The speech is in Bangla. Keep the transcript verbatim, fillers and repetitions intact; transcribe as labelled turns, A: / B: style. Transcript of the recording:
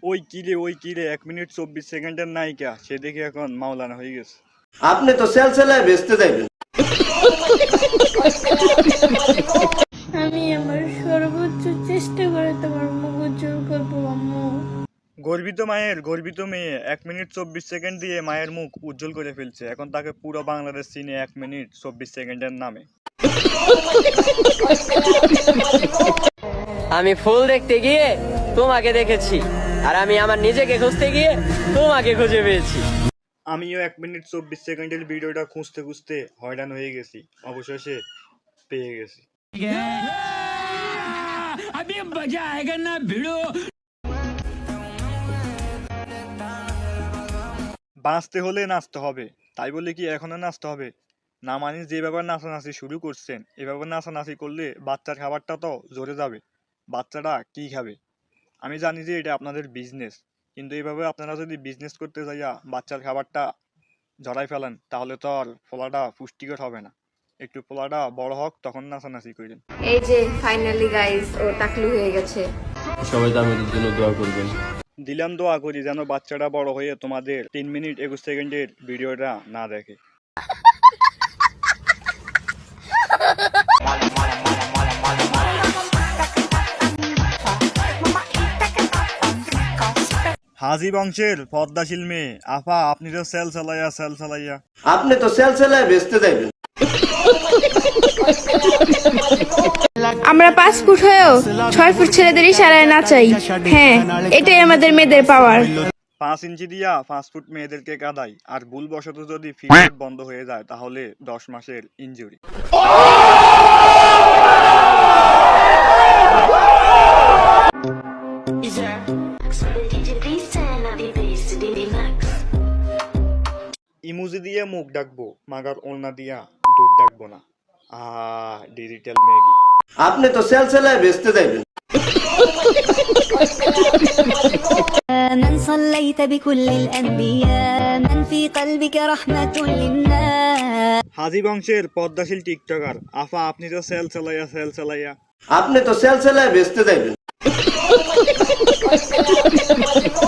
A: ওই কিরে ওই কিরে এক মিনিট চব্বিশ সেকেন্ডের নায়িকা সে দেখে এখন মাওলানা হয়ে গেছে।
B: আপনি তো সেল সেলায় বেচতে যাইবেন।
C: আমি আমার সর্বোচ্চ চেষ্টা করে তোমার মুখ উজ্জ্বল করবো আম্মু।
A: গর্বিত মায়ের গর্বিত মেয়ে এক মিনিট চব্বিশ সেকেন্ড দিয়ে মায়ের মুখ উজ্জ্বল করে ফেলছে। এখন তাকে পুরো বাংলাদেশ চিনে এক মিনিট চব্বিশ সেকেন্ডের নামে।
D: আমি ফুল দেখতে গিয়ে তোমাকে দেখেছি, আর আমি আমার নিজেকে খুঁজতে গিয়ে তোমাকে খুঁজে পেয়েছি।
A: আমিও এক মিনিট চব্বিশ সেকেন্ডের ভিডিওটা খুঁজতে খুঁজতে হয়রান হয়ে গেছি, অবশেষে পেয়ে গেছি। বাঁচতে হলে নাচতে হবে, তাই বলে কি এখনো নাচতে হবে না? মানে যে ব্যাপার নাচানাচি শুরু করছেন, এভাবে নাচানাচি করলে বাচ্চার খাবারটা তো জোরে যাবে। বাচ্চাটা কি খাবে? আমি জানি যে এটা আপনাদের বিজনেস, কিন্তু এইভাবে আপনারা যদি বিজনেস করতে যাইয়া বাচ্চার খাবারটা জড়াই ফেলেন তাহলে তো আর ফলাটা পুষ্টিকর হবে না। একটু ফলাটা বড় হোক তখন নাচানাচি করেন।
E: এই যে ফাইনালি গাইস ও টাকলু হয়ে গেছে।
F: সবাই তো আমাদের জন্য দোয়া করবেন।
A: দিলাম দোয়া করি যেন বাচ্চাটা বড় হয়ে তোমাদের তিন মিনিট একুশ সেকেন্ডের ভিডিওটা না দেখে। হাজি বংশের পদ্মাশীল মেয়ে আফা, আপনি তো সেল চালাইয়া সেল চালাইয়া
B: আপনি তো সেল সেলায় বেচতে যাইবেন।
C: আমরা পাঁচ ফুট হয়েও ছয় ফুট ছেলেদের ইশারায় নাচাই। হ্যাঁ, এটাই আমাদের মেয়েদের পাওয়ার।
A: পাঁচ ইঞ্চি দিয়া পাঁচ ফুট মেয়েদেরকে কাদাই, আর ভুলবশত যদি ফিল্ড বন্ধ হয়ে যায় তাহলে দশ মাসের ইনজুরি। ইমোজি দিয়ে মুখ ডাকবো, মাগার ওলনা দিয়া দুধ ডাকবো না। Ah digital Maggi.
B: আপনি তো সেল সেলায় বেচতে যাইবেন।
G: من صليت بكل الأنبياء من في قلبك رحمة للناس।
A: হাজি বংশের পদ্মাশীল টিকটকার আফা, আপনি তো সেল চালাইয়া সেল চালাইয়া
B: আপনি তো সেল সেলায় বেচতে যাইবেন।